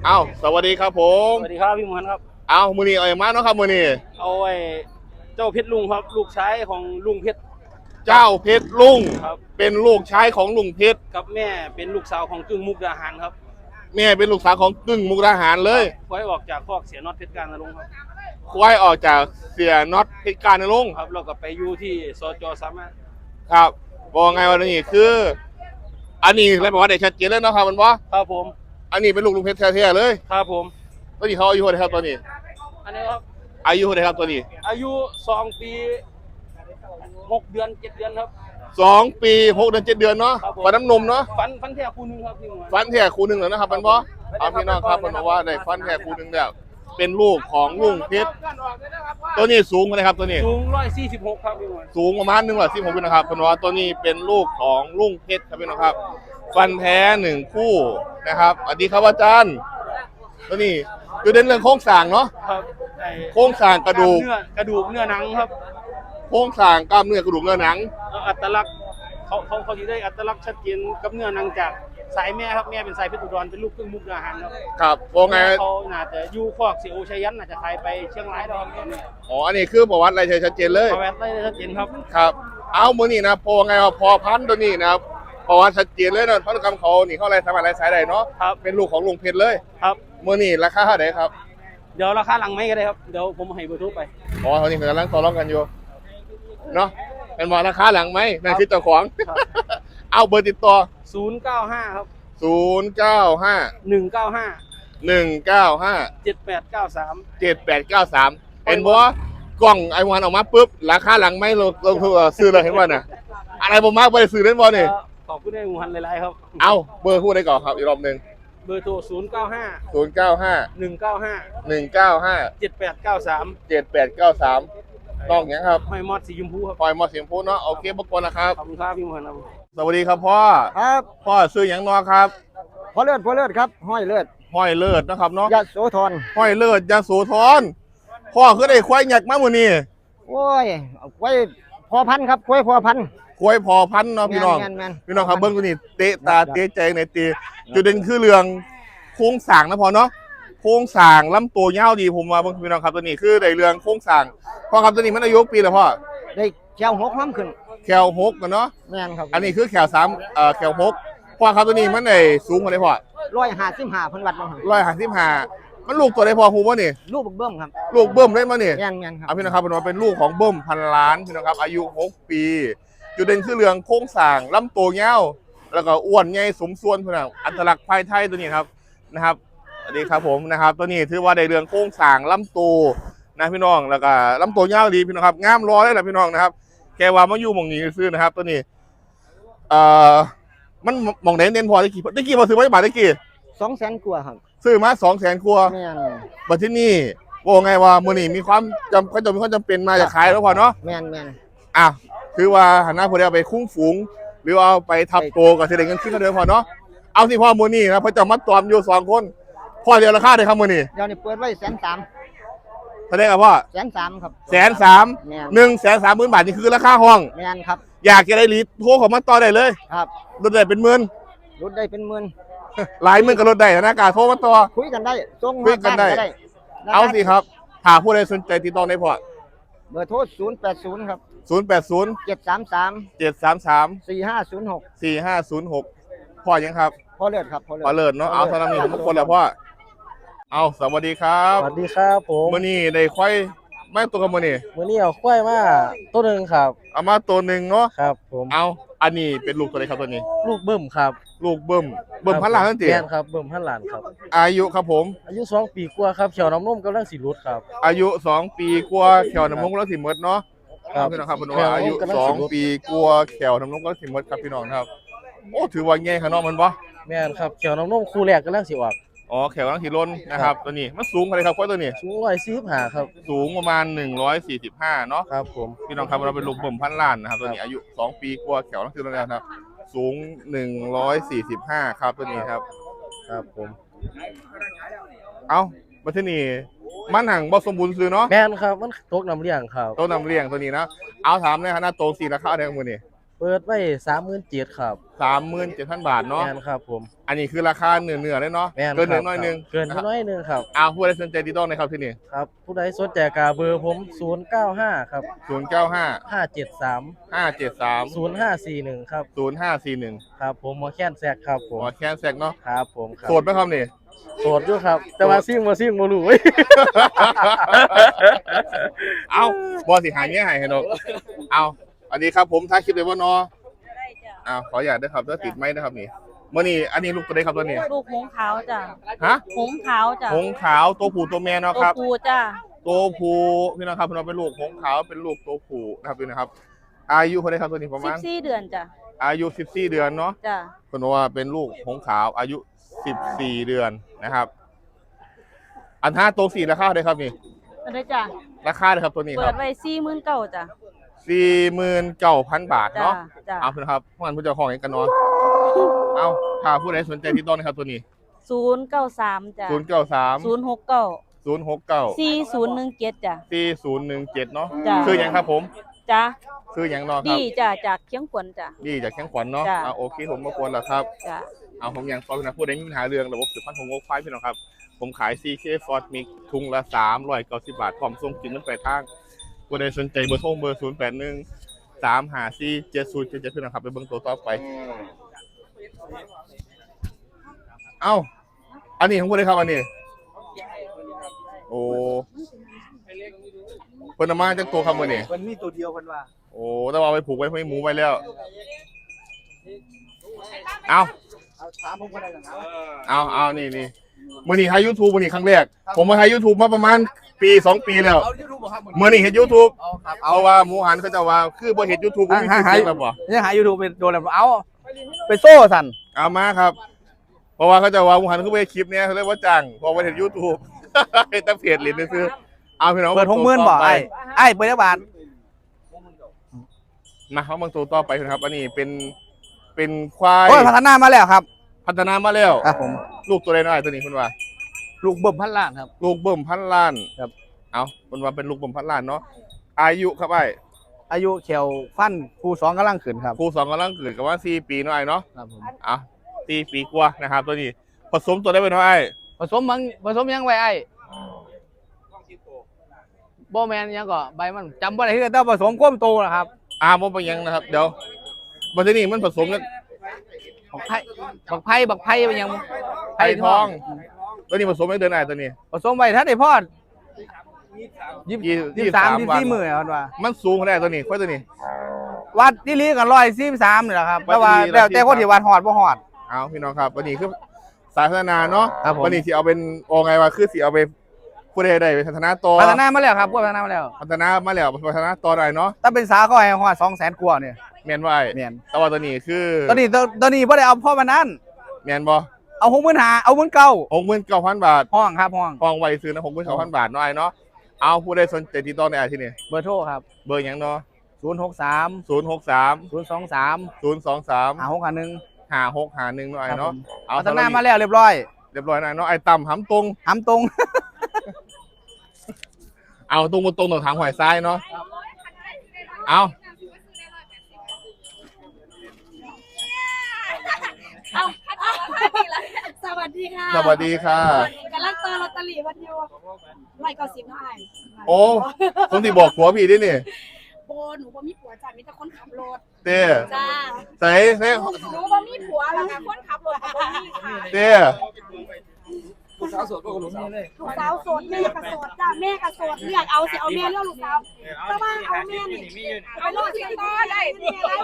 อ้าวสวัสดีครับผมสวัสดีครับพี่มหันครับอ้าวมือนี้เอาอย่างมาเนาะครับมือนี้เอาไอ้เจ้าเพชรลุงครับลูกชายของลุงเพชรเจ้าเพชรลุงครับเป็นลูกชายของลุงเพชรกับแม่เป็นลูกสาวของกึ่งมุกดาหารครับแม่เป็นลูกสาวของกึ่งมุกดาหารเลยไว้ออกจากคอกเสียน็อตเพชรการนรงค์ครับควายออกจากเสียน็อตเพชรการนรงค์ครับเราก็ไปอยู่ที่สจสามารถครับบอกไงวันนี้คืออันนี้อะไรบอกว่าได้ชัดเจนแล้วเนาะครับมันว่าครับผมอันนี้เป็นลูกลุงเพชรแท้ๆเลยครับผมตอนนี้เขาอายุเท่าไหร่ครับตอนนี้อันนี้ครับอายุเท่าไหร่ครับตอนนี้อายุ2 ปี6 เดือน7 เดือนครับ 2 ปี 6 เดือน 7 เดือนเนาะฟันน้ำนมเนาะฟันแท้คู่นึงครับพี่มหันฟันแท้คู่หนึ่งแล้วนะครับมันว่าเอาพี่น้องครับมันบอกว่าได้ฟันแท้คู่หนึ่งแล้วเป็นลูกของลุงเพชรตัวนี้สูงเท่าไหร่ครับตัวนี้สูง146ครับพี่มหันสูงประมาณ116นะครับเป็นว่าตัวนี้เป็นลูกของลุงเพชรครับพี่น้องครับฟันแท้1 คู่นะครับสวัสดีครับอาจารย์ตัวนี้คือเด่นเรื่องโครงสร้างเนาะครับโครงสร้างกระดูกเนื้อหนังครับโครงสร้างกล้ามเนื้อกระดูกเนื้อหนังอัตลักษณ์เขาที่ได้อัตลักษณ์ชัดเจนกับเนื้อหนังจากสายแม่ครับแม่เป็นสายเพชรอุดรเป็นลูกครึ่งมุกดาหารครับครับว่าไงเขาน่าจะอยู่คอกเสียโอชัยยันน่าจะขายไปเชียงรายแล้วครับอ๋ออันนี้คือประวัติอะไรชัดเจนเลยประวัติได้ชัดเจนครับครับเอามือนี่นะพอไงว่าพอพันตัวนี้นะครับประวัติชัดเจนเลยนะพันธุกรรมเขานี่เขาอะไรสามารถอะไรสายใดเนาะครับเป็นลูกของลุงเพชรเลยครับมือนี่ราคาเท่าไหร่ครับเดี๋ยวราคาหลังไม่ก็ได้ครับเดี๋ยวผมให้เบอร์โทรไปอ๋อเขานี่กำลังต่อรองกันอยู่เนาะเป็นบอกราคาหลังไหมนั่นคือเจ้าของเอาเบอร์ติดต่อ 095ครับ 095 195 7893 7893เห็นบ่กล้องไอวันออกมาปุ๊บราคาหลังไม่ลงซื้อเลยเห็นบ่น่ะอะไรบ่มากบ่ได้ซื้อเล่นบ่นี่ขอบคุณในหมู่ฮันหลายๆครับเอาเบอร์พูดได้ก่อนครับอีกรอบนึงเบอร์โทร095 195 195 7893 7893ต้องอย่างครับหอยมอดสีชมพูครับปล่อยมอเสียงพูดเนาะโอเคบกวนนะครับขอบคุณครับพี่มหันครับสวัสดีครับพ่อครับพ่อซื้ออย่างนอครับพ่อเลิศครับห้อยเลิศห้อยเลิศนะครับเนาะยะโสธรห้อยเลิศยะโสธรพ่อคือได้ควายหยักมามื้อนี้โอ้ยไว้พอพันครับกล้วยพอพันควายพอพันเนาะพี่น้องพี่น้องครับเบิ้งตัวนี้เตะตาเตะใจในตีจุดเด่นคือเรื่องโค้งสร้างนะพ่อเนาะโค้งสร้างลำตัวยาวดีผมว่าพี่น้องครับตัวนี้คือในเรื่องโค้งสร้างพ่อครับตัวนี้มันอายุปีแล้วพ่อได้แก้ว6ความขึ้นแขว6กันเนาะแม่นครับอันนี้คือแขว3แขว6พ่อครับตัวนี้มันได้สูงกว่าได้พ่อ 155เพิ่นวัดมา 155มันลูกตัวได้พ่อฮู้บ่นี่ลูกเบิ่มครับลูกเบิ่มได้มานี่แม่นครับพี่น้องครับเป็นลูกของเบิ่มพันล้านพี่น้องครับอายุ6 ปีจุดเด่นคือเรื่องโค้งสร้างลำตัวยาวแล้วก็อ้วนใหญ่สมส่วนพี่น้องอัตลักษณ์ภายไทยตัวนี้ครับนะครับสวัสดีครับผมนะครับตัวนี้ถือว่าได้เรื่องโค้งสร้างลำตัวนะพี่น้องแล้วก็ลำตัวยาวดีพี่น้องครับงามรอได้แหละพี่น้องนะครับแกว่ามาอยู่หม่องนี้ซื้อนะครับตัวนี้มันหม่องไหนเน้นพอได้กี่พอซื้อไว้บาทได้กี่ 200,000กว่าครับซื้อมา200,000กว่าแม่นบัดที่นี่ว่าไงว่ามื้อนี้มีความจำเป็นมาจะขายแล้วพอเนาะแม่นอ่ะคือว่าหันหน้าพอได้เอาไปคุ้งฝูงหรือเอาไปทับโตกับเสด็จเงินขึ้นก็เดิมพอเนาะเอาที่พ่อมื้อนี้นะพอจะมัดตอมอยู่2 คนพ่อเดียวราคาได้ครับมื้อนี้เดี๋ยวนี้เปิดไว้130,000 แสดงกับพ่อ 130,000ครับ 130,000 บาทนี่คือราคาห้องแม่นครับอยากจะได้ลีดโทรเข้ามาต่อได้เลยครับลดได้เป็นหมื่นลดได้เป็นหมื่นหลายหมื่นก็ลดได้นะกาโทรมาต่อคุยกันได้ส่งคุยกันได้เอาสิครับถ้าผู้ใดสนใจติดต่อได้พอเบอร์โทร080ครับ 080 733 4506 4506 พ่อยังครับพ่อเลิศครับพ่อเลิศเนาะเอาสำหรับนี้ทุกคนแหละพ่อเอาสวัสดีครับสวัสดีครับผมมื้อนี้ได้ควายไม่ตัวกับมื้อนี้เอาควายมาตัวนึงครับเอามาตัวนึงเนาะครับผมเอาอันนี้เป็นลูกตัวไหนครับตัวนี้ลูกเบิ่มครับลูกเบิ่มพันล้านนั่นติแม่นครับเบิ่มพันล้านครับอายุครับผมอายุ2 ปีกว่าครับเขียวน้ำนมกำลังสิรุดครับอายุ2 ปีกว่าแขวน้ำนมกำลังสิหมดเนาะครับพี่น้องครับพี่น้องอายุ2 ปีกว่าแขวน้ำนมกำลังสิหมดครับพี่น้องครับโอ้ถือว่าใหญ่ขนาดมันบ่แม่นครับเขียวน้ำนมคู่แรกกำลังสิออกอ๋อแขวกำลังสิล้นนะครับตัวนี้มันสูงเท่าไหร่ครับควายตัวนี้สูง145ครับสูงประมาณ145เนาะครับผมพี่น้องครับเราเป็นลูกเบิ่มพันล้านนะครับตัวนี้อายุ2 ปีกว่าแขวกำลังสิล้นแล้วครับสูง145ครับตัวนี้ครับครับผมเอาบัดทีนี้มันหังบ่สมบูรณ์ซื้อเนาะแม่นครับมันตกน้ำเลี้ยงครับตกน้ำเลี้ยงตัวนี้นะเอาถามในฐานะโต4ราคาได้มื้อนี้เปิดไว้37,000ครับ 37,000 บาทเนาะแม่นครับผมอันนี้คือราคาเนื้อเลยเนาะแม่นเกินหนึ่งครับน้อยหนึงเกินน้อยหนึงครับผู้ใดสนใจติดต่อในครับที่นี่ครับผู้ใดสนใจกาเบอร์ผม095ครับ 095 573 573 0541ครับ 0541 ครับผมหมอแค้นแซกครับผมหมอแคนแซกเนาะครับผมครับโสดไหมครับนี่โสดอยู่ครับ แต่ว่าซิ่งบ่รู้เว้ยเอาบอสิหายเงี้ยหายให้ดอกเอาอันนี้ครับผมท้ายคลิปเลยว่าเนาะขออยากได้ครับถ้าติดไหมนะครับนี่เมื่อนี้อันนี้ลูกตัวใดครับตัวนี้ลูกหงส์ขาวจ้ะฮะหงส์ขาวจ้ะหงส์ขาวตัวผู้ตัวแม่เนาะตัวครับปูจ้ะตัวผู้พี่น้องครับพี่น้องเป็นลูกหงส์ขาวเป็นลูกตัวผู้นะครับพี่นะครับ อายุคนใดครับตัวนี้ประมาณ 14 เดือนจ้ะอายุ14 เดือนเนาะจ้ะคนว่าเป็นลูกหงส์ขาวอายุ14 เดือนนะครับ อันห้าตัว4ราคาเท่าไหร่ครับนี่ก็ได้จ้ะราคาเลยครับตัวนี้คเปิรัดไว้49,000จ้ะ 49,000 บาทจ้ะเนาะจ้ะเอาพี่นะครับพวกมันผู้เจ้าของเองกันเนาะเอาถ้าผู้ใดสนใจติดต่อนะครับตัวนี้ 093จ้ะ 093 069 069 4017จ้ะ 4017เนาะจ้ะชื่อหยังครับผมจ้ะชื่อหยังเนาะคดีรับจ้ะจากเชียงขวัญจ้ะดีจากแข้งขวัญเนาะจ้ะโอเคผมมากวนแล้วครับจ้ะเอาผมยังซอยนะผู้ใดมีปัญหาเรื่องระบบสืบพันธุ์ของงกควายพี่น้องครับ ผมขาย CK Ford Mix ทุงละ390 บาทพร้อมส่งกินมันไปทางผู้ใดสนใจเบอร์โทรเบอร์081 354 7077พี่น้องครับไปเบิ่งตัวต่อไป เอ้าอันนี้ของผู้ใดครับอันนี้ โอ้เพิ่นเอามาจากตัวครับมื้อนี้มันมีตัวเดียวกันว่าโอ้แต่ว่าเอาไปผูกไว้ให้หมูไว้แล้ว เอาถามผมก็ได้กันนะเอานี่มื่อนี้ให้ยูทูบมื่อนี้ครั้งแรก ผมมาให้ยูทูบมาประมาณปี2 ปีแล้วเอายูทูบบ่ครับมื่อนี้เห็นยูทูบเอาครับเอาว่าหมูหันเขาจะว่าคือบ่เห็นยูทูบมีชื่อเสียงแล้วบ่ยังหายูทูบเป็นโดนแล้วเอาไปโซ่สั่นเอามาครับ เพราะว่าเขาจะว่าหมูหันคือไปคลิปเนี้ยเขาเรียกว่าจังเพราะว่าเห็นยูทูบ เห็นแต่เพจเหรียญซื้อเอาพี่น้องเปิด60,000บ่ไอ้เปิดจักบาทมาเขาบางตัวต่อไปนะครับ อันนี้เป็นควายโอ้ยพัฒนามาแล้วครับพัฒนามาแล้วครับผมลูกตัวใดน้อยตัวนี้คุณว่าลูกเบิ่มพันล้านครับลูกเบิ่มพันล้านครับเอาคนว่าเป็นลูกเบิ่มพันล้านเนาะ อายุครับไอ้อายุเขียวฟันผู้สองกำลังขึ้นครับครู2กำลังเกิดกับว่า4 ปีเนาะไอ้เนาะครับผมเอา4 ปีกว่านะครับ ตัวนี้ผสมตัวได้เป็นเท่าไอ้ผสมยังไว้ไอ้บ่แมนยังก็ใบมันจำบ่ได้คือแต่ผสมก้มโตนะครับบ่เป็นหยังนะครับ เดี๋ยวบัดนี้มันผสมกันบักไผ่เป็นยังไผ่ทอง ตัวนี้ผสมไม่เดือนไหนตัวนี้ผสมไว้ถ้าได้พอด 23 24มื้อครับว่ามันสูงขนาดตัวนี้ค่อยตัวนี้วัดที่ลีกัน143นี่แหละครับวัดแต่ว่าที่ลีแล้วแต่คนที่วัดฮอดบ่ฮอดเอาพี่น้องครับวันนี้คือสายพัฒนาเนาะครับผมวันนี้สิเอาเป็นโอไงว่าคือสิเอาไปผู้ใดได้ไปพัฒนาต่อพัฒนามาแล้วครับพวกพัฒนามาแล้วพัฒนามาแล้วพัฒนาต่อได้เนาะถ้าเป็นสาเขาให้ฮอด200,000กว่าเนี่ยแม่นว่าไอ้แม่นแต่ว่าตัวนี้คือตอนนี้บ่ได้เอาพ่อมานั้นแม่นบ่เอา65,000เอา19,000 69,000 บาทห้องครับห้องฟองไว้ซื้อนะ69,000 บาทเนาะไอ้เนาะเอาผู้ใดสนใจติดต่อในไอ้ที่นี่เบอร์โทรครับเบอร์หยังเนาะ 063 063 023 023 5651 5651เนาะไอ้เนาะเอาพัฒนามาแล้วเรียบร้อยเรียบร้อยนะเนาะไอ้ต่ำหำตรงหำตรงเอาตรงบนตรงตรงทางหอยซ้ายเนาะเอาเอาสวัสดีค่ะสวัสดีค่ะกำลังต่อลอตเตอรี่วันอยู่190ให้โอ้ผมที่บอกผัวพี่ดินี่โบหนูบ่มีผัวจ้ะมีแต่คนขับรถเต้จ้าใส่เต้หนูบ่มีผัวแล้วค่ะคนขับรถก็บ่มีค่ะเต้ลูกสาวโสดแม่ก็โสดจ้าแม่ก็โสดเลือกเอาสิเอาแม่เลือกลูกสาวแต่ว่าเอาแม่นี่เอาลูกที่ต่อได้แม่ได้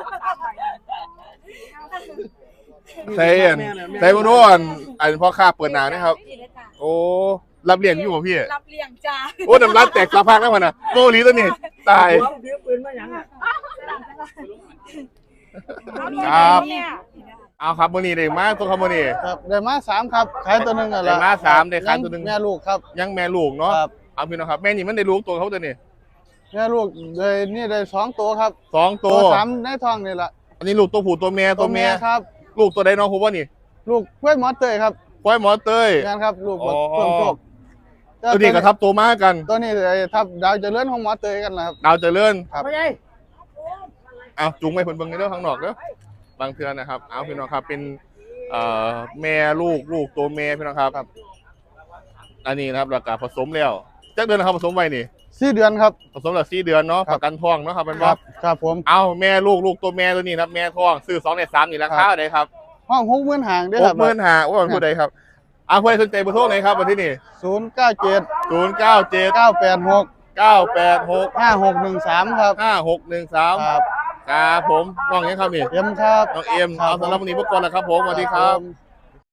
ใส่ใส่บนนู้นอันพ่อค้าเปิดหนานะครับ โอ้รับเลี้ยงอยู่ป่ะพี่รับเลี้ยงจ้าโอ้น้ำร้านแตกสะพักแล้วมันอ่ะโมลีตัวนี้ตายครับเอาครับมื้อนี้ได้มาตัวครับมื้อนี้ครับได้มา3ครับขายตัวหนึงอ่ะได้มา3ได้ขายตัวหนึงแม่ลูกครับยังแม่ลูกเนาะครับเอาพี่น้องครับแม่นี่มันได้ลูกตัวเขาตัวนี้แม่ลูกได้2ตัวครับ 2ตัว 3ในท้องนี่ล่ะอันนี้ลูกตัวผู้ตัวแม่ตัวแม่ครับลูกตัวใดน้องผมว่านี่ลูกกล้วยหมอเตยครับควายหมอเต้ยงานครับลูกอ๋อเพิ่มโชคตัวนี้ก็ทับตัวมากันตัวนี้ไอ้ทับดาวเจริญของหมอเตยกันนะครับดาวเจริญครับเอาจุงไปเพิ่นเบิ่งในเรื่องข้างนอกเด้อบางเทื่อนะครับเอาพี่น้องครับเป็นแม่ลูกตัวแม่พี่น้องครับอันนี้นะครับราคาผสมแล้วจักเดือนนะครับผสมไว้นี่ 4 เดือนครับผสมแล้ว4 เดือนเนาะครัปบระกันท้องเนาะครับเป็นคบ่รับครับผมเอาแม่ลูกตัวแม่ตัวนี้นะครับแม่ท้องซื้อ2ใน3นี่ราคาเท่าไหร่ครับห้อง60,000หางเด้อครับ 65,000ว่ามันผู้ใดครับเอาผู้ใดสนใจเบอร์โทรไหนครับวันที่นี่ 097 097 986 986 5613ครับ 5613 ครับครับผมน้องยังครับนี่เอ็มครับน้องเอ็มเอาสำหรับวันนี้พวกก่อนแล้วครับผมสวัสดีครับผม